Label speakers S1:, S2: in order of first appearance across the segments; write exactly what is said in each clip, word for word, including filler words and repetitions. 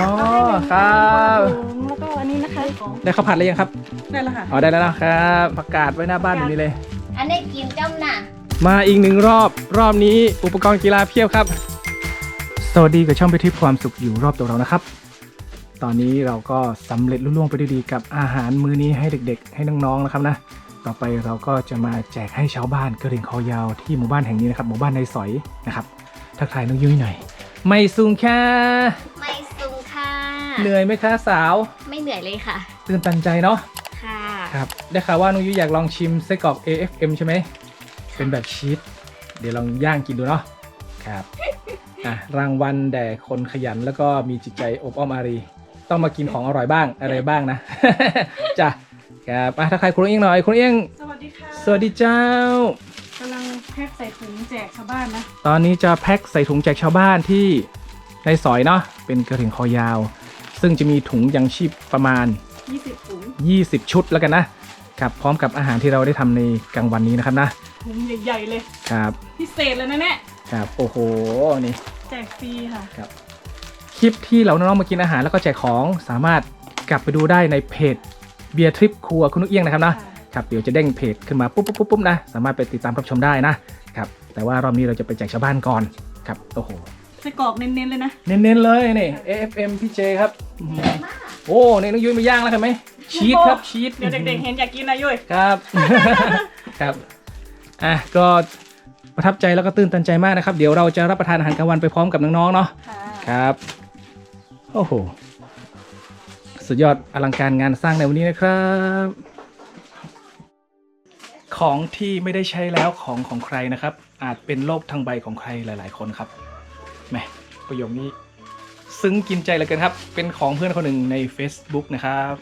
S1: ครับ
S2: แล้วก็อันนี้นะคะ
S1: ได้ข้าวผัดหรือยังครับ
S2: ได้แล้วค่ะ
S1: อ๋อได้แล้วนะครับประกาศไว้หน้าบ้านแบบนี้เลย
S3: อันนี้กินจ้ำน่ะ
S1: มาอีกหนึ่งรอบรอบนี้อุปกรณ์กีฬาเพียบครับสวัสดีกับช่องไปทริปความสุขอยู่รอบตัวเรานะครับ ตอนนี้เราก็สำเร็จลุล่วงไปด้วยดีกับอาหารมื้อนี้ให้เด็กๆ ให้น้องๆนะครับนะต่อไปเราก็จะมาแจกให้ชาวบ้านกระเหรี่ยงคอยาวที่หมู่บ้านแห่งนี้นะครับหมู่บ้านในสอยนะครับทักทายน้องยุ้ยหน่อยไม่สูงค่ะ
S3: ไม่สูงค่ะ
S1: เหนื่อยไหมคะสาว
S3: ไม่เหนื่อยเลยค่ะ
S1: ตื่นตันใจเนาะ
S3: ค่ะ
S1: ครับได้ข่าวว่าน้องยุ้ยอยากลองชิมไส้กรอก เอ เอฟ เอ็ม ใช่ไหมเป็นแบบชีสเดี๋ยวลองย่างกินดูเนาะครับอ่ะรางวัลแด่คนขยันแล้วก็มีจิตใจอบอ้อมอารีต้องมากินของอร่อยบ้างอะไรบ้างนะ จ้ะครับอ่ะถ้าใครคุณเอียงหน่อยคุณเอียง
S2: สวัสดีค่ะ
S1: สวัสดีเจ้าก
S2: ำลังแพ็คใส่ถุงแจกชาวบ้านนะ
S1: ตอนนี้จะแพ็คใส่ถุงแจกชาวบ้านที่ในซอยเนาะเป็นกระถิ่งคอยาว ซึ่งจะมีถุงยังชีพประมาณ
S2: ยี่สิบถุง
S1: ยี่สิบชุดแล้วกันนะครับพร้อมกับอาหารที่เราได้ทำในกลางวันนี้นะครับนะ
S2: ถุงใหญ่ๆเลย
S1: ครับ
S2: พิเศษเลยนะเนี่ย
S1: ครับโอ้โหนี่
S2: แจกฟรีค่ะ
S1: ครับคลิปที่เราน้องๆมากินอาหารแล้วก็แจกของสามารถกลับไปดูได้ในเพจเบียร์ทริปครัวคุณนุกเอี้ยงนะครับนะครับเดี๋ยวจะเด้งเพจขึ้นมาปุ๊บปุ๊บปุ๊บปุ๊บนะสามารถไปติดตามรับชมได้นะครับแต่ว่ารอบนี้เราจะไปแจกชาวบ้านก่อนครับโอ้โห
S2: ไส้กรอกเน้นๆเลยนะ
S1: เน้นๆเลยนี่ เอ เอฟ เอ็ม พี่เจครับโอ้นี่น้องยุ้ยมาย่างแล้วเห็นไหมชีสครับชีส
S2: เดี๋ยวเด็กๆเห็นอยากกินนะยุ้ย
S1: ครับ ครับอ่ะก็ประทับใจแล้วก็ตื่นตันใจมากนะครับเดี๋ยวเราจะรับประทานอาหารกลางวันไปพร้อมกับน้องๆเนาะ
S2: ค่ะ
S1: ครับโอ้โหสุดยอดอลังการงานสร้างในวันนี้นะครับ ของที่ไม่ได้ใช้แล้วของของใครนะครับ อาจเป็นโลกทั้งใบของใครหลาย ๆ คนครับแหมประโยคนี้ซึ้งกินใจเหลือเกินครับเป็นของเพื่อนคนหนึ่งใน Facebook นะครับ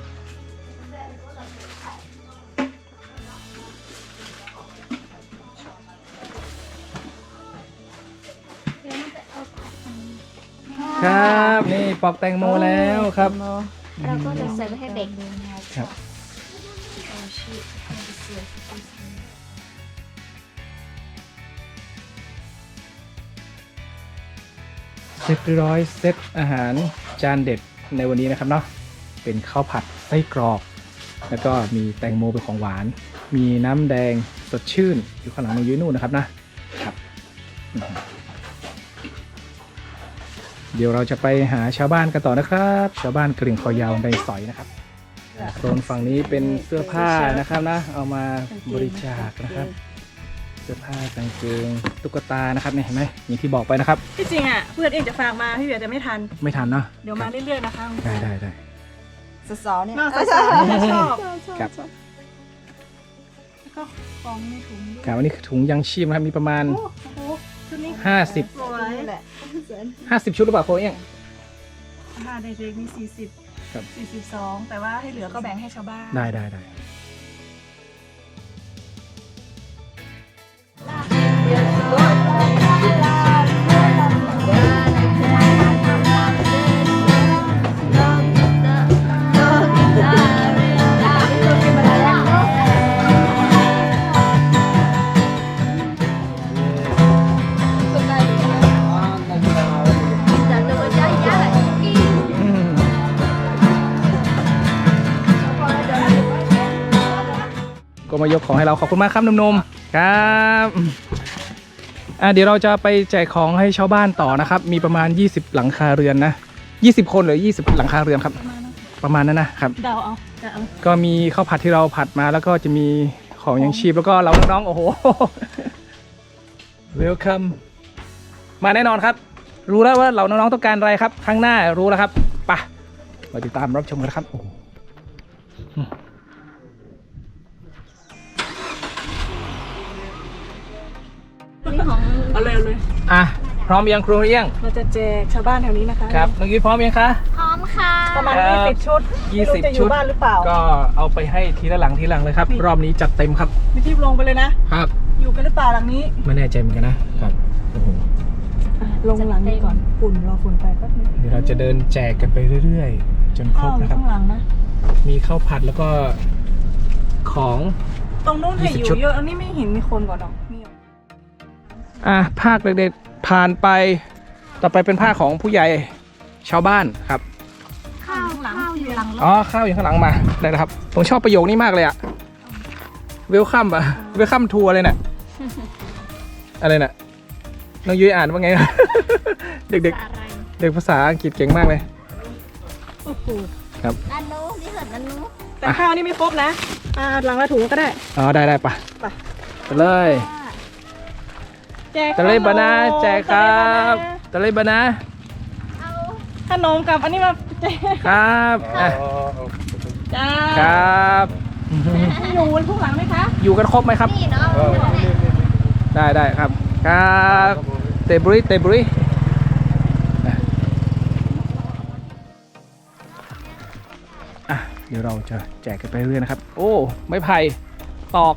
S1: ครับนี่ปอกแตงโมแล้วครับ
S3: เราก็จะเสิร์ฟให้เด็ก
S1: ครับเสร็จเรียบร้อยเซตอาหารจานเด็ดในวันนี้นะครับเนาะเป็นข้าวผัดไส้กรอกแล้วก็มีแตงโมเป็นของหวาน มีน้ำแดงสดชื่นอยู่ข้างหลังน้องยุ้ยนู่นนะครับนะครับเดี๋ยวเราจะไปหาชาวบ้านกันต่อนะครับชาวบ้านกระเหรี่ยงคอยาวในซอยนะครับโซนฝั่งนี้เป็นเสื้อผ้านะครับนะเอามาบริจาคนะครับเสื้อผ้ากางเกงตุ๊กตานะครับเนี่ยเห็นไหมอย่างที่บอกไปนะครับ
S2: ที่จริงอ่ะเพื่อนเองจะฝากมาพี่เบียร์จะไม่ทัน
S1: ไม่ทันเนาะ
S2: เดี๋ยวมาเรื่อยๆนะคะ
S1: ได้ได้ได้
S4: สาวๆเนี่ย
S2: น่าสนใจชอบ
S1: ครับ
S2: แล้วก็กองในถุงด้วย
S1: ครับวันนี้คือถุงยังชีพนะครับมีประมาณ
S2: โอ้โหชุดนี้
S1: ห้าสิบ
S2: สวย
S4: นี่แหละ
S1: ห้าสิบชุดหรือเปล่าโค้ชเอง
S2: อาหารเด็กๆมีสี่สิบ
S1: ครับ
S2: สี่สิบสองแต่ว่าให้เหลือก็แบ่งให้ชาวบ้าน
S1: ได้ได้ได้อืมก็มายกของให้เราขอบคุณมากครับหนุ่มๆครับอ่ะเดี๋ยวเราจะไปแจกของให้ชาวบ้านต่อนะครับ มีประมาณยี่สิบหลังคาเรือนนะยี่สิบคนหรือยี่สิบหลังคาเรือนครับ ประมาณนั้นนะครับ
S2: เดาเอาเดาเอา
S1: ก็มีข้าวผัดที่เราผัดมาแล้วก็จะมีของยังชีพแล้วก็เราน้องๆโอ้โห welcome มาแน่นอนครับ รู้แล้วว่าเราน้องๆต้องการอะไรครับข้างหน้ารู้แล้วครับไปมาติดตามรับชมกันครับโอ้โห
S2: นี่ของเอาเลยเอาเลย
S1: อ่ะพร้อมยังครูเอี้ยง
S2: เราจะแจกชาวบ้านแถวนี้นะคะ
S1: ครับน้องยุ้ยพร้อมยังคะ
S3: พร้อมค่ะ
S2: ประมาณ
S1: ครับ
S2: ยี่สิบชุด
S1: ยี่สิบ
S2: ไม่รู้จะอ
S1: ชุด
S2: ยู่บ้านหรือเปล่า
S1: ก็เอาไปให้ทีละหลังทีละหลังเลยครับ
S2: นี่
S1: รอบนี้จัดเต็มครับ
S2: ไม่รีบลงไปเลยนะครับ อยู่กันหรือเปล่าหลังนี้
S1: ไม่แน่ใจเหมือนกันนะครับโอ้โห
S2: อ่ะลงหลังนี้ก่อนฝุ่นรอฝุ่นไปแป๊บนึง
S1: เดี๋ยวเราจะเดินแจกกันไปเรื่อยๆ จนคร
S2: ข้า
S1: บ
S2: วอยู่
S1: นะครับ
S2: ข้างหลังนะ
S1: มีข้าวผัดแล้วก็ของ
S2: ตรงนู้นให้อ
S1: ยี่สิบ
S2: ยู่
S1: ชุด
S2: เยอะอันนี้ไม่เห็นมีคนก่อนหรอกมี
S1: อ่ะภาคเด็กๆผ่านไป ต่อไปเป็นภาคของผู้ใหญ่ชาวบ้านครับ
S3: ข้าวข้าวอยู่หลังรถ
S1: อ๋อข้าวอยู่ข้างหลังมาได้แล้วครับผมชอบประโยคนี้มากเลยอะเวลคัมอะเวลคัมทัวร์เลยน่ะอะไรน่ะน้องยุ้ยอ่านว่าไง เด็ก
S3: อะไร
S1: ๆเด็กภาษาอังกฤษเก่งมากเลย
S2: โอ้โห
S1: ครับ
S3: นันนู้ที่เหินนันนู้
S2: แต่ข้าวนี่ไม่ครบนะอ่าหลังละถุงก็ได้
S1: อ๋อได้ได้ปะ
S2: ไป
S1: ไปเลย
S2: แจก
S1: ตะเลยบานาแจกครับตะเลยบานา
S3: เอา
S2: ขนมกับอันนี้มาแจก
S1: ครับอ่ะ
S2: จ้า
S1: ครับ
S2: อยู่บนทุกหลังไหมคะ
S1: อยู่กันครบไหมครับ
S3: นี่เนาะ
S1: ได้ได้ครับครับเตบริเตบริอ่ะเดี๋ยวเราจะแจกกันไปเรื่อยนะครับ โอ้ไม้ไผ่ตอก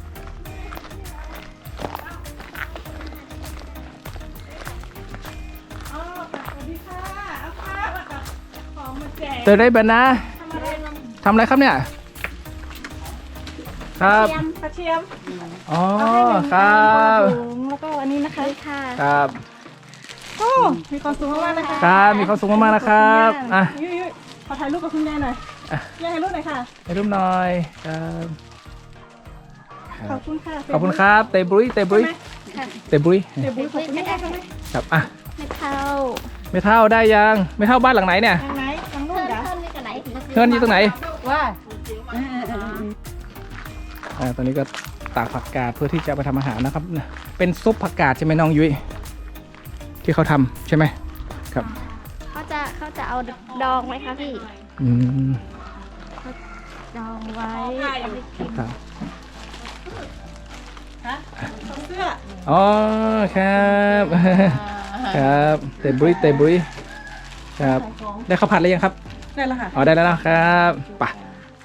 S2: อ๋อสวัสดีค่ะเอาข้าวกับของมาแจก
S1: เตได้บานา
S2: ทำอะไรลอง
S1: ทำอะไรครับเนี่ยครับ
S2: เทียมกระเทียม
S1: อ๋อ
S2: เอาให้หนึ่ง
S1: ครับ
S2: ถุงแล้วก็อันนี้นะคะ
S3: ค่ะ
S1: ครับ
S2: โอ้มีความสุขมากๆนะคะ
S1: ครับมีความสุขมากๆนะครับอ่ะ
S2: ยุ้ยยุ้ยขอถ่ายรูปกับคุณแม่หน่อย
S1: อ่ะ
S2: แม่ถ่ายรูปหน่อยค่ะ
S1: ให้รูปหน่อยครับค
S2: ข
S1: รั
S2: อ
S1: บบ
S2: คุณค่ะ
S1: ขอบคุณครับเตบริเตบริ
S3: ค่ะ
S1: เตบริ
S2: เดี๋ยวบุ้ยขอบคุณค่ะใช่ไหม
S1: ครับอ่ะ
S3: ไม่เท่า
S1: ไม่เท่าได้ยังไม่เท่าบ้านหลังไหนเนี่ย
S2: ทางไหนทางนู้
S3: เพื่
S2: น
S3: อน
S2: เหรอ
S3: เพื่อนนี่กันไหน
S1: เพื่อนอยู่ตรงไหน
S2: ว่า
S1: อ่าตอนนี้ก็ตากผักกาดเพื่อที่จะไปทำอาหารนะครับ เป็นซุปผักกาดใช่ไหมน้องยุ้ยที่เขาทำใช่ไหมครับ
S3: เขาจะเขาจะเอาดองไหมคะพี่
S1: อืม
S3: ดองไว้เอาไปกิน
S1: ครับ
S2: ฮะเสื้อ
S1: อ๋อครับ ครับเตบริเตบริครับได้ข้าวผัดหรือยังครับ
S2: ได้แล้วค่ะ
S1: อ๋อได้แล้วนะครับไป่ะ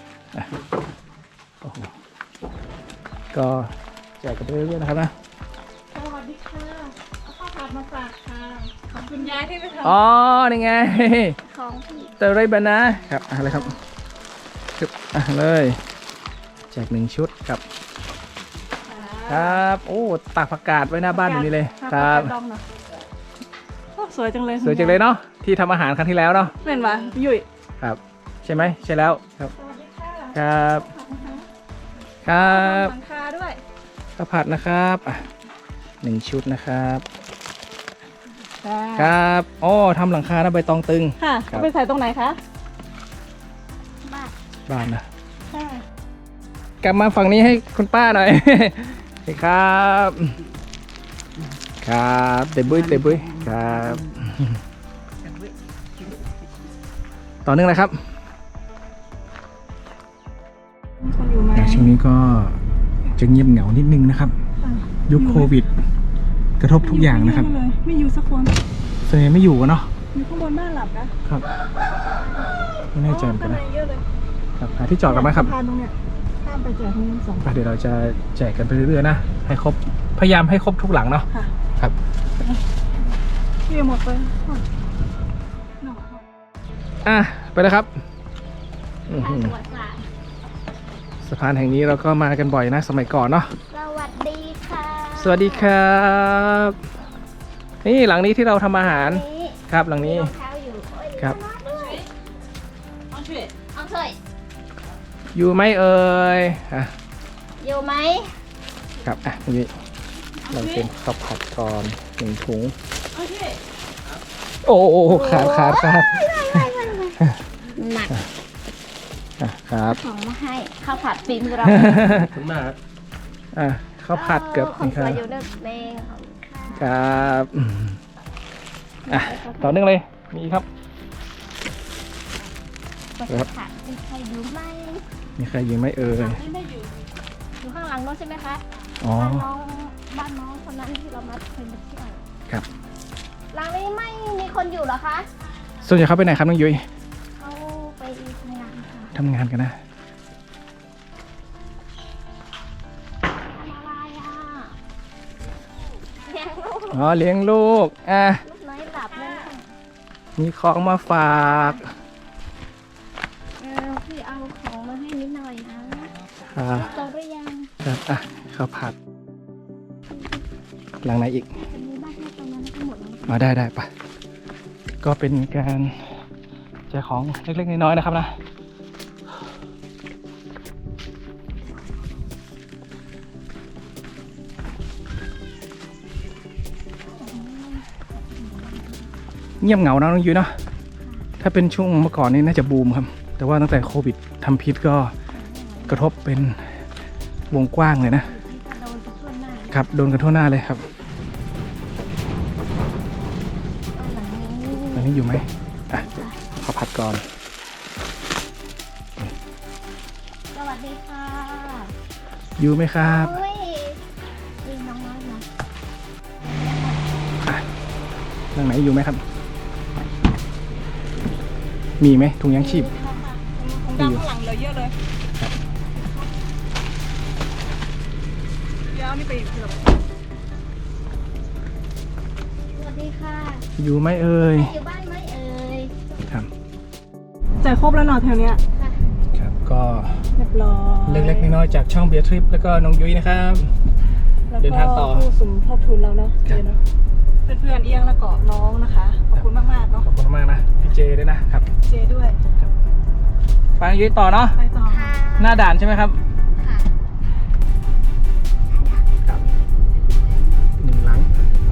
S1: โอ้โหก็แจกกันไปเรื่อยๆนะครับนะ
S2: สวัสดีค่ะเอาข้าวผัดมาฝากค่ะขอบคุณยายที่ไปทำ
S1: อ๋อนี่ไง
S3: ของพี่
S1: เตอร์ไรบานะครับอะไรครับชุดอ่ะเลยแจกหนึ่งชุดครับครับโอ้ตากผักกาดไว้หน้าบ้านอย่างนี้เลยครับ
S2: ดองหน่อยโอ้สวยจังเลย
S1: สวยจังเลยเนาะที่ทำอาหารครั้งที่แล้วเนาะ
S2: เล่นมาพี่ยุ้ย
S1: ครับใช่ไหมใช่แล้วครับ
S2: สวัสดีค่ะ
S1: ครับครับ
S2: หลังคาด้วย
S1: ข้าวผัดนะครับอ่ะหนึ่งชุดนะครับ
S2: ค่ะ
S1: ครับโอ้ทำหลังคาหน้าใบตองตึง
S2: ค่ะ
S1: ครับ
S2: เอาไปใส่ตรงไหนคะ
S3: บ้าน
S1: บ้านนะ
S2: ค่ะ
S1: กลับมาฝั่งนี้ให้คุณป้าหน่อย ครับครับเตบุ้ยเตบุ้ยครับต่อเนื่องเลยครับ
S2: มีคนอยู่ไหม
S1: ช่วงนี้ก็จะเงียบเหงานิดนึงนะครับ ยุคโควิด กระทบทุกอย่างนะครับ
S2: ไม่อยู่ไม่อยู่สักคน
S1: ส่วนใหญ่ไม่อยู่กันเนาะ
S2: อยู่ข้างบนบ้านหลับนะครับ
S1: ไม่แน่ใจเหมือนกัน
S2: ข้าง
S1: นะ
S2: ในเยอะเลย
S1: ครับหาที่จอดกันไหมครับ
S2: สะพานตรงเนี้ยข้ามไปแจกตรงนี้สอง
S1: ไปเดี๋ยวเราจะแจกกันไปเรื่อยๆนะให้ครบพยายามให้ครบทุกหลังเนาะ
S2: ค่ะ
S1: ครับ
S2: พี่หมดไปอ๋อหนอ
S1: อ่ะไปเลยครับอื้อหือ
S3: สวัสดีค่ะ
S1: สะพานแห่งนี้เราก็มากันบ่อยนะสมัยก่อนเนาะ
S3: สวัสดีค่ะ
S1: สวัสดีครับนี่หลังนี้ที่เราทำอาหาร
S3: นี่
S1: ครับหลังนี้
S3: รองเท้าอยู่โอ้ย
S1: ครับ
S3: น่ารักด้วย
S2: เอาช่วย
S3: เอาเถอะ
S1: อยู่ไหมเอ่ยอ่ะ
S3: อยู่ไหม
S1: ครับอ่ะนี่เราเป็นข้าวผัดก่อนหนึ่งถุง
S2: เอาช่วย
S1: โอ้โอ้ขาดขาดขาด
S3: หนัก
S1: อ่ะครับ
S3: ของมาให้ข้าวผัดฟิล์มเรา
S1: คุณมากอ่ะข้าวผัดเกือบ
S3: คน
S1: นี่
S3: ส
S1: ครั
S3: วย
S1: บ
S3: อยู่นึกเองของค่ะ
S1: ครับอืมอ่ะต่อเนื่องเลยมีอีกครับ
S3: ข้าวผัดมีใครอยู่ไหม
S1: มีใครอยู่ไหมเอ่ย
S3: อยู่ข้างหลังโน้นใช่ไหมคะ
S1: อ๋อ
S3: บ้านน้องบ้านน้องคนนั้นที่เรามาเคยมาเที่ยว
S1: ครับ
S3: หลังนี้ไม่มีคนอยู่เหรอคะ
S1: ส่วนใหญ่เขาไปไหนครับน้องยุ้ย
S3: เขาไปทำงานค่ะ
S1: ทำงานกันนะ
S3: ทำอะไรอ่ะเลี้ยงลูก
S1: อ๋อเลี้ยงลูกอ่ะ
S3: ลูกน้อยหลับนั่นค่ะ
S1: มีของมาฝาก
S3: เออพี่เอาของมาให้นิดหน่อยนะ
S1: อ่า
S3: โตหรือยัง
S1: ครับอ่ะข้าวผัดหลังไหนอีก
S3: จะมีบ้านให้ตรงนั้นทั้งหมดเลย
S1: อ๋อได้ได้ปะก็เป็นการแจกของเล็กๆน้อยๆนะครับนะเงียบเหงานะน้องยุ้ยเนาะถ้าเป็นช่วงเมื่อก่อนนี่น่าจะบูมครับแต่ว่าตั้งแต่โควิดทำพิษก็กระทบเป็นวงกว้างเลยนะครับโดนกันทั่วหน้าเลยครับอันนี้อยู่ไหมอ่ะขอผัดก่อน
S3: สวัสดีค่ะ
S1: อยู่ไหมครับ
S3: เฮ้ยยิงน้องน้อยนะ
S1: อ่ะนั่งไหนอยู่ไหมครับ มีไหมถุงยางชีพ
S2: ผมดำข้างหลังเหลือเยอะเลยเดี๋ยวเอานี่ไปอีกเกือบ
S3: สวัสดีค่ะ
S1: อยู่ไหมเอ่ย
S3: อยู่บ้านไหมเอ่ย
S1: ครับ
S2: จ่ายครบแล้วเนาะแถวเนี้ย
S3: ค่ะ
S1: ครับก็
S2: เรียบร้อย
S1: เล็กๆน้อยๆจากช่องเบียร์ทริปแล้วก็น้องยุ้ยนะครับ
S2: แล้ว
S1: เดินทางต่อ
S2: ก็ผู้สมทบทุนเราเนาะ
S1: ครับ
S2: เจเนาะเพื่อนๆเอียงแล้วก็น้องนะคะขอบคุณมากๆเนาะ
S1: ขอบคุณมากนะพี่เจด้วยนะครับ
S2: เจด้วย
S1: ไปน้องยุ้ยต่อเนาะ
S2: ไปต่อ
S3: ค่ะ
S1: หน้าด่านใช่ไหมครับ
S3: ค่ะ
S1: ครับหนึ่งหลัง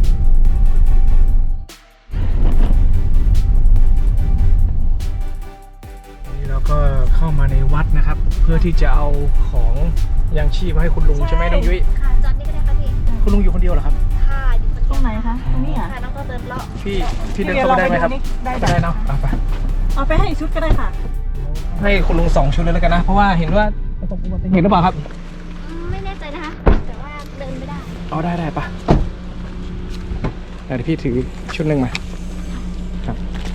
S1: วันนี้เราก็เข้ามาในวัดนะครับ เพื่อที่จะเอาของยังชีพมาให้คุณลุงใช่ไหมน้องยุ้ย
S3: ค่ะจอดนี่ก็ได้ค่ะพี่
S1: คุณลุงอยู่คนเดียวเหรอครับ
S3: ค่ะอยู่คนเดียว
S2: ตรงไหนคะตรงนี้อ่ะ
S3: ค่ะน้องก็เดินเลาะ
S1: พี่พี่เดินเข้าไปได้ไหมครับ
S2: ได้
S1: ได้
S2: ได้
S1: เนาะเอาไป
S2: เอาไปให้อีกชุดก็ได้ค่ะ
S1: ให้คุณลุงสองชุดเลยแล้วกันนะ เพราะว่าเห็นว่าประสบอุบัติเหตุหรือเปล่าครับ
S3: อืมไม่แน่ใจนะคะ แต่ว่าเดินไม่ได้
S1: เอาได้ได้ปะเดี๋ยวพี่ถือชุดหนึ่งมาครับ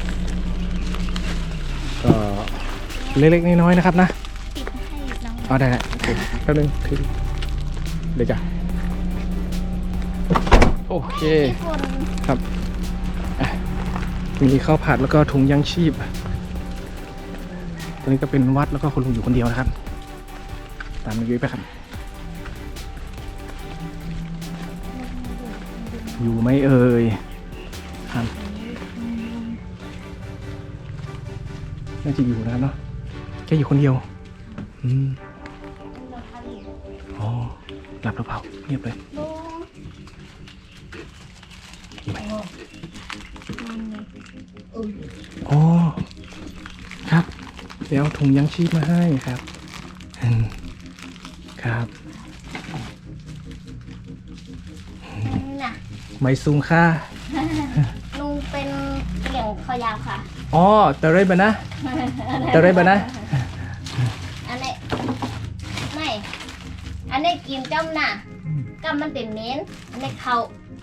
S1: ก็เล็กๆน้อยๆนะครับนะ
S3: ปิดให้น้อง
S1: เอาได้ได้โอเคแป๊บนึงถือเดี๋ยวจ้ะโอเค
S3: พี่ฝน
S1: ครับอ่ะมีข้าวผัดแล้วก็ถุงยางชีพตอนนี้ก็เป็นวัดแล้วก็คุณลุงอยู่คนเดียวนะครับ ตามมายุ้ยไปครับ อยู่ไหมเอ่ยครับน่าจะอยู่นะครับเนาะแค่อยู่คนเดียวอืมอ๋อหลับหรือเปล่าเงียบเลย
S3: ลุง
S1: อยู่ไหม
S3: นั่นไง
S1: อ๋อครับเดี๋ยวเอาถุงยางชีพมาให้ครับอืมครับ
S3: น่ะ
S1: ไม่ซุงค่า
S3: ลุงเป็นเกี่ยงคอยาวค่ะ
S1: อ๋อตะเรยบะนะตะเรยบะนะ
S3: อันนี้ไม่ อันนี้กินจ้ำน่ะกำมันเป็นเม้นอันนี้เขา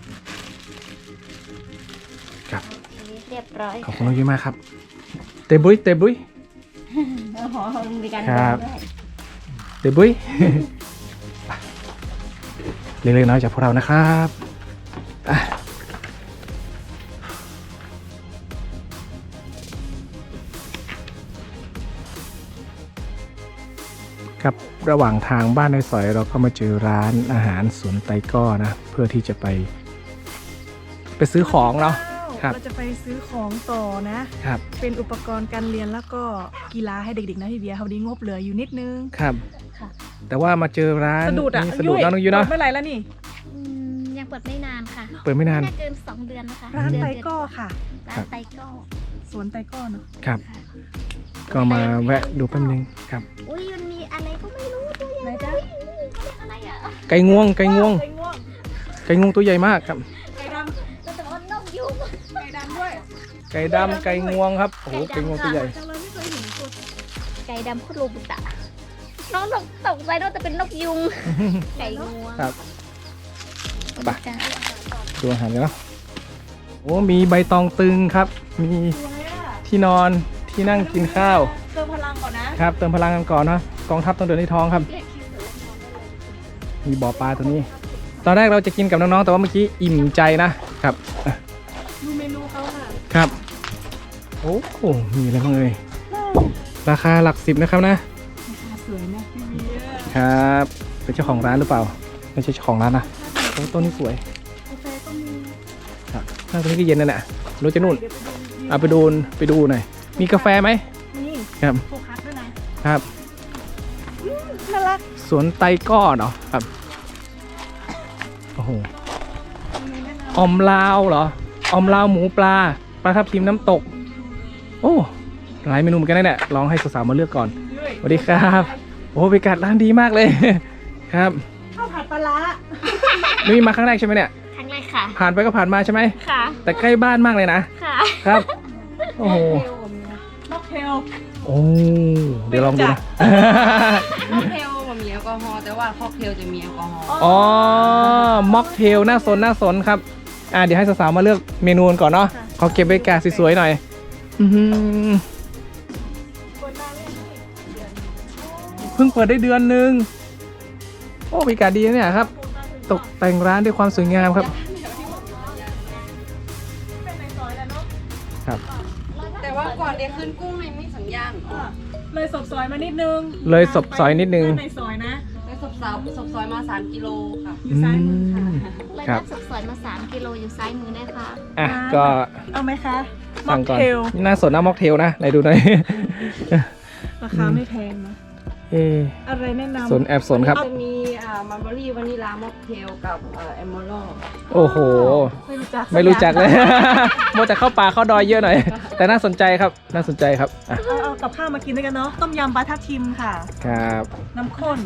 S1: ครับ
S3: เรียบร้อย
S1: ขอบคุณน้องยุ้ยมากครับ เตบุยเตบุย
S3: โอ้โหมีการ
S1: ครับ
S3: เดินด้วย
S1: เตบุย เล็กๆน้อยๆจากพวกเรานะครับอ่ะครับระหว่างทางบ้านในซอยเราก็มาเจอร้านอาหารสวนไตก้อนะ เพื่อที่จะไป ไปซื้อของเนาะ ครับ
S2: เราจะไปซื้อของต่อนะ
S1: ครับ
S2: เป็นอุปกรณ์การเรียนแล้วก็กีฬาให้เด็กๆนะพี่เบียร์เขาดีงบเหลืออยู่นิดนึง
S1: ครับ
S3: ค่ะ
S1: แต่ว่ามาเจอร้าน
S2: สะดุดอ่ะ
S1: นี่สะดุดเนาะน้องยุ้ยเนาะ
S2: เมื่อไหร่แล้วนี่
S3: อืมยังเปิดไม่นานค่ะ
S1: เปิดไม่นาน
S3: น่าเกินสองเดือนนะคะ
S2: ร้าน
S3: เดือ
S2: ไต
S3: เดือน
S2: ก้อค่ะ
S3: ร้านไตก้อ
S2: สวนไตก้อเนาะ
S1: ครับ ก็มาแวะดูแป๊บนึงครับ
S3: อุ้ยมันมีอะไรก็ไม่รู้ตัวใหญ่
S2: ไหนจ๊ะ
S3: อุ๊ยเขาเรียกอะไรอ่ะ
S1: ไก่งวง ไก่งวง
S2: ไก่ง่วง
S1: ไก่งวงตัวใหญ่มากครับ
S2: ไก่ด
S3: เราจะว่านกยุง
S2: ำไก่ดำด้วย
S1: ไก่ดำไก่งวงครับ โอ้โห ไก่งวงตัวใหญ่
S2: จังเลยไม่เคยเห็นตัว
S3: ไก่ดำโคตรโรบุตะน้องตกตกใจว่าจะเป็นนกยุง ไก่งวง
S1: ครับ ไป
S3: จ้ะ
S1: ดูอาหารกันเนาะโอ้ มีใบตองตึงครับ มี
S2: สวยอ่ะ
S1: ที่นอน ที่นั่งกินข้าว
S2: เติมพลังก่อนนะ
S1: ครับ เติมพลังกันก่อนเนาะ กองทัพต้องเดินในท้องครับ มีบ่อปลาตัวนี้ ตอนแรกเราจะกินกับน้องๆ แต่ว่าเมื่อกี้อิ่มใจนะครับอ่ะ
S2: ดูเมนูเขาค่ะ
S1: ครับ โอ้โหมีอะไรบ้างเอ่ยราคาหลักสิบนะครับนะ
S2: สวยนะพี่เบียร์
S1: ครับ เป็นเจ้าของร้านหรือเปล่า ไม่ใช่เจ้าของร้านนะโอ้ต้นนี้สวย
S2: กาแฟก็มี
S1: ครับน่าจะนี่ก็เย็นนั่นแหละรู้จะนู่น
S2: เดี๋ยวไปดู
S1: เอาไปดูไปดูหน่อย มีกาแฟไหม
S2: นี่
S1: ครับ
S2: โฟกัสด้วยนะครับ น่ารัก
S1: สวนไตก้อเนาะครับ โอ้โห
S2: มีแนะน
S1: ออมลาวเหรอ ออมลาวหมูปลา ปลาทับทิมน้ำตก โอ้ หลายเมนูเหมือนกันนะเนี่ย ลองให้สาวๆมาเลือกก่อน
S2: ำ
S1: สวัสดีครับ โอ้บรรยากาศร้านดีมากเลย ครับ
S2: ข้าวผัดปลาร้า
S1: นี่มาครั้งแรกใช่ไหมเนี่ย
S3: ครั้งแรกค่ะ
S1: ผ่านไปก็ผ่านมาใช่ไหม
S3: ค่ะ
S1: แต่ใกล้บ้านมากเลยนะ
S3: ค่ะ
S1: ครับ โอ้โห
S2: ม็อกเทล
S1: โอ้ เดี๋ยวลองดูนะ
S4: ค็อกเทลมันมีแอลกอฮอล์แต่ว่าค็อกเทลจะมีแอลกอฮอล์
S1: อ๋อ ม็อกเทลน่าสนน่าสนครับ อ่าเดี๋ยวให้สาวๆมาเลือกเมนูกันก่อนเนาะ ขอเก็บบรรยากาศสวยๆหน่อย อื้อหือ
S2: คนมาเล่นนี่
S1: เพิ่งเปิดได้เดือนหนึ่งโอ้บรรยากาศดีนะเนี่ยครับ ตกแต่งร้านด้วยความสวยงามครับ
S2: เป็นในซอยแล้วเนาะ
S1: ครับ
S4: แต่ว่าก่อนเดี๋ยวขึ้นกุ้งในไม่สัญญาณ
S2: อ่ะเลยศพซอยมานิดนึง
S1: เลยศพซอยนิดนึง
S2: ในซอยนะ
S4: แล้วศพสาวศพซอยมาสามกิโลค่ะ
S2: อยู่ซ้ายมือค่ะ
S3: เลย
S1: ครั
S3: นั
S1: บ
S3: ดสุดสวยมาสามกิโลอยู่ซ้ายมือได้ค่ะ
S1: อ่ะก็
S2: เอาไหมคะม็อ
S1: สั่
S2: ก
S1: งก่อน
S2: เทล
S1: น่าสนนะม็อกเทลนะไหนดูหน่อย
S2: ราคาไม่แพงนะ
S1: เออ
S2: อะไรแนะนำ
S1: สนแอบสนครับ
S4: จะมีอ่ามัลเบอรี่วานิลาม็อกเทลกับเอ่อแอมเมอรัล
S1: โอ้โห
S2: ไม่รู้จัก
S1: ไม่รู้จักเลย โมจะเข้าป่าเข้าดอยเยอะหน่อย แต่น่าสนใจครับ น่าสนใจครับอ่ะ
S2: เอาเอากับข้าวมากินด้วยกันเนาะ ต้มยำปลาทับทิมค่ะ
S1: ครับ
S2: น้ำข้น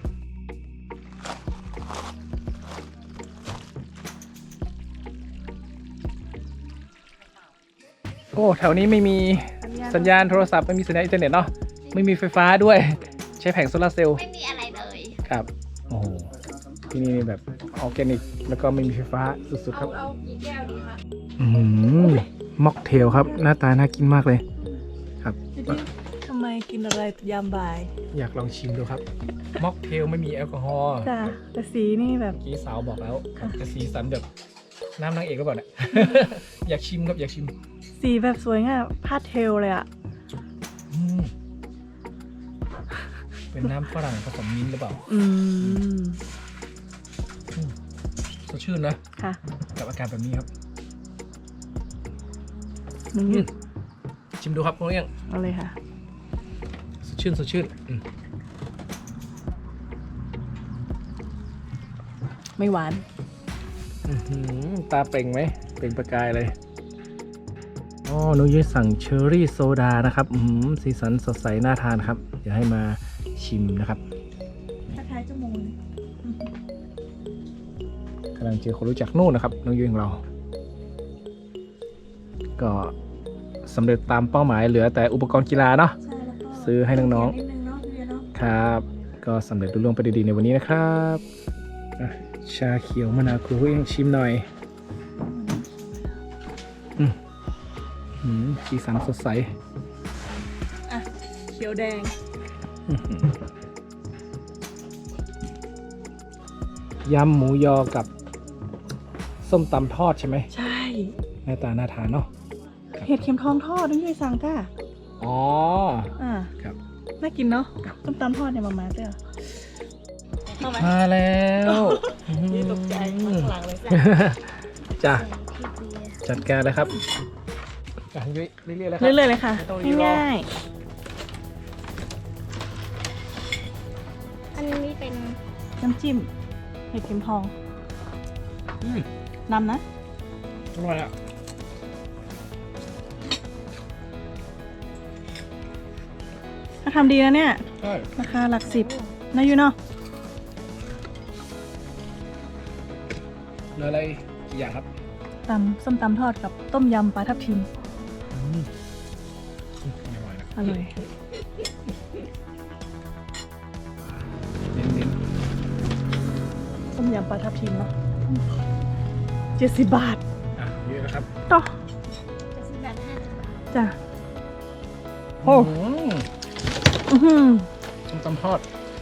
S1: โอ้แถวนี้ไม่มีสัญญาณโทรศัพท์ไม่มีสัญญาณอินเทอร์เน็ตเนาะไม่มีไฟฟ้าด้วย ใช้แผงโซลาร์เซลล์
S3: ไม่มีอะไรเลย
S1: ครับโอ้โหที่นี่แบบออร์แกนิกแล้วก็ไม่มีไฟฟ้าสุดๆค
S4: เอา
S1: รับ
S4: เอากี่แก้วดีคะ
S1: อืมม็อกเทลครับ หน้าตาน่ากินมากเลยครับ
S2: ทำไมกินอะไรยามบ่าย
S1: อยากลองชิมดูครับม็อกเทลไม่มีแอลกอฮอล์
S2: จ้ะแต่สีนี่แบบ
S1: เมื่อกี้สาวบอกแล้วจะสีสันแบบน้ำนางเอกหรือเปล่าเนี่ย อยากชิมครับอยากชิม
S2: สีแบบสวยงามพาสเทลเลยอะ
S1: อืมเป็นน้ำฝรั่งผสมมิ้นท์หรือเปล่า
S2: อืม
S1: สดชื่นนะ
S2: ค่ะ
S1: กับอากาศแบบนี้ครับ
S2: มึง
S1: อืมชิมดูครับคุณเอี้ยง
S2: เอาเลยค่ะ
S1: สดชื่นสดชื่นอืม
S2: ไม่หวาน
S1: อื้อหือตาเปล่งไหมเปล่งประกายเลยอ๋อหนูยุ้ยสั่งเชอร์รี่โซดานะครับอื้อหือสีสันสดใสน่าทานครับเดี๋ยวให้มาชิมนะครับ
S2: คล้ายๆจมูก
S1: กำลังเจอคนรู้จักนู่นนะครับน้องยุ้ยของเรา ก็สำเร็จตามเป้าหมายเหลือแต่อุปกรณ์กีฬาเนาะ
S2: ใช่แล้วก็
S1: ซื้อให้น้องๆ
S2: นิดนึงเนาะพี่เบียร์เนาะ
S1: ครับ ก็สำเร็จรุ่ล่วงไปดีๆในวันนี้นะครับอ่ะชาเขียวมะนาวครูเองชิมหน่อยอืมอืมสีสันสดใส
S2: อ่ะเขียวแดง
S1: อื้อหือยำหมูยอกับส้มตำทอดใช่ไหม
S2: ใช่
S1: หน้าตาน่าทานเนาะ
S2: เห็ดเข็มทองทอดนี่ด้วยสั่งก้า
S1: อ๋อ
S2: อ่า
S1: ครับ
S2: น่ากินเนาะต้มตำทอดเนี่ยมามาเจ้าเข้าไหม
S1: มาแล้ว
S2: นี่ตกใจข้างหลังเลยจ้ะ
S1: จ้ะ
S3: พี่เบียร์
S1: จัดการเลยครับอ่ะยุ้ยเรื่อยๆเลยครั
S2: เรื่อยๆเลยค่ะ
S1: ไม่ต้องรีรอ
S2: ง่าย
S3: อันนี้เป็น
S2: ๆน้ำจิ้มเห็ดเข็มทอง
S1: อืม
S2: นำนะ
S1: อร่อยอ่ะ
S2: ถ้าทำดีนะเนี่ย
S1: ใช่
S2: ราคาหลักสิบนะยูเนาะ
S1: เหลืออะไรกี่อย่างครับ
S2: ตำส้มตำทอดกับต้มยำปลาทับทิม
S1: อืมอืมอร่อยนะ
S2: อร่อย
S1: เน้น
S2: ต้มยำปลาทับทิมเนาะเจ็ดสิบบาท
S1: ๆอ่ะเยอะนะครับ
S2: ต่อ
S3: จะซื้อแบบห้าสิบบาท
S2: จ้ะ
S1: โอ้
S2: อือหือ
S1: ส้มตำทอด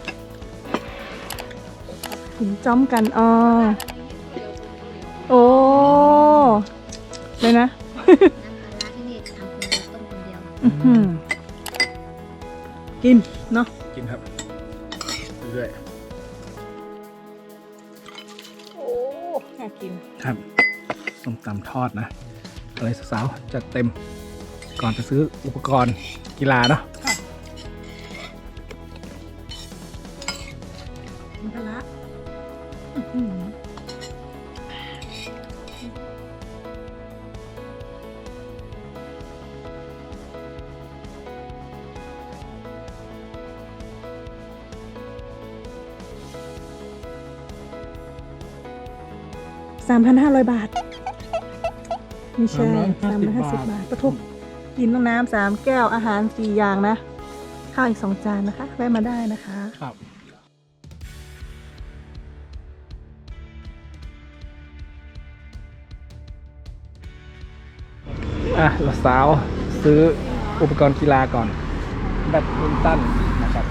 S2: ถึงจ้อมกันอ๋อโอ้เลยนะ
S3: น้ำปลาร้าที่นี่ทำคนเดียวต้มคนเดียว
S2: อื้อหือกินเนาะ
S1: กินครับเรื่อย
S2: โอ้น่ากิน
S1: ๆครับส้มตำทอดนะอะไรสาวๆจัดเต็มก่อนจะซื้ออุปกรณ์กีฬาเนาะ
S2: มันพละสามพันห้าร้อยบาทไม่ใช่สามพันห้าสิบบาทประทุกกินน้ำน้ำสามแก้วอาหารสี่อย่างนะ ข้าวอีกสองจานนะคะแวะมาได้นะคะ
S1: ครับอ่ะเราสาวซื้ออุปกรณ์กีฬาก่อนแบดมินตันนะครับ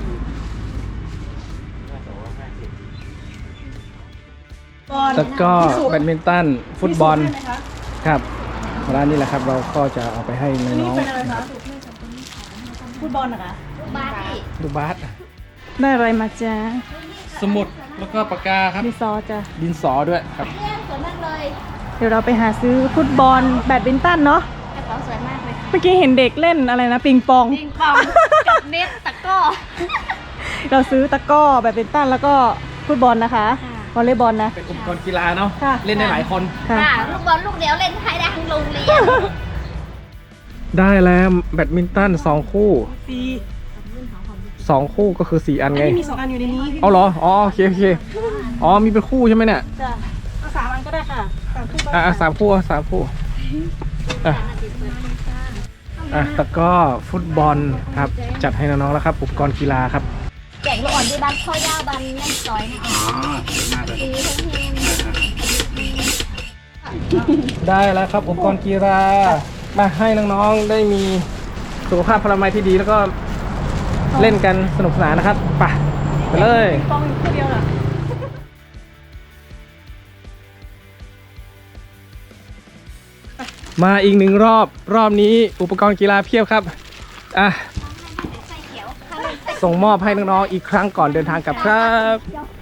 S1: แล้วก็แบดมินตันฟุตบอลครับร้านนี้แหละครับเราก็จะเอาไปให้น้อง
S2: เป็นอะไรคะฟุตบอลนะคะ
S3: บ้านนี่
S1: ๆดูบาส
S2: ได้อะไรมาจ้า
S1: สมุดแล้วก็ปากกาครับ
S2: มีซอจ้ะ
S1: ดินสอด้วยครับ
S3: เรื่องสวยมากเลย
S2: เดี๋ยวเราไปหาซื้อฟุตบอลแบดมินตันเนาะ
S3: กระเป๋าสวยมากเลย
S2: เมื่อกี้เห็นเด็กเล่นอะไรนะปิงปอง
S3: ปิงปองกับเน็ตตะกร้อ
S2: เราซื้อตะกร้อแบดมินตันแล้วก็ฟุตบอลนะคะ
S3: ค่ะ
S2: วอลเลย์บอลนะ
S1: เป็นอุปกรณ์กีฬาเนาะ
S2: ค่ะ
S1: เล่นได้หลายคน
S2: ค่ะ
S3: ค่ะลูกบอลลูกเดียวเล่นให้ได้ทั้งโรงเรียน
S1: ได้แล้วแบดมินตันสองคู่
S2: สี
S1: สองคู่ก็คือสี่อันไง
S2: มีสองอันอยู่ในนี้
S1: เอาเหรออ๋อโอเคโอเคอ๋อมีเป็นคู่ใช่ไหมเนี่ย
S2: จ้ะเอาสามอันก็ได้ค่ะสามคู่ก็
S1: อ่ะ
S2: ได้
S1: อ่ะสามคู่อ่ะสามคู่อ่ะอ่ะแล้วก็ฟุตบอลครับจัดให้น้องๆแล้วครับอุปกรณ์กีฬาครับ
S3: แจกลูกอ่อนที่บ้านพ่อย่าบ้านแม่ซอยนะคะดีทั้งเพลง
S1: ได้แล้วครับอุปกรณ์กีฬามาให้น้องๆได้มีสุขภาพพลามัยที่ดีแล้วก็เล่นกันสนุกสนานนะครับไปไปเลย
S2: ปิงปองอยู่คู่เดียวเหรอ
S1: มาอีกหนึ่งรอบรอบนี้อุปกรณ์กีฬาเพียบครับอ่ะ
S3: ใส่เขียว
S1: ส่งมอบให้น้องๆอีกครั้งก่อนเดินทางกลับครับ
S3: ยก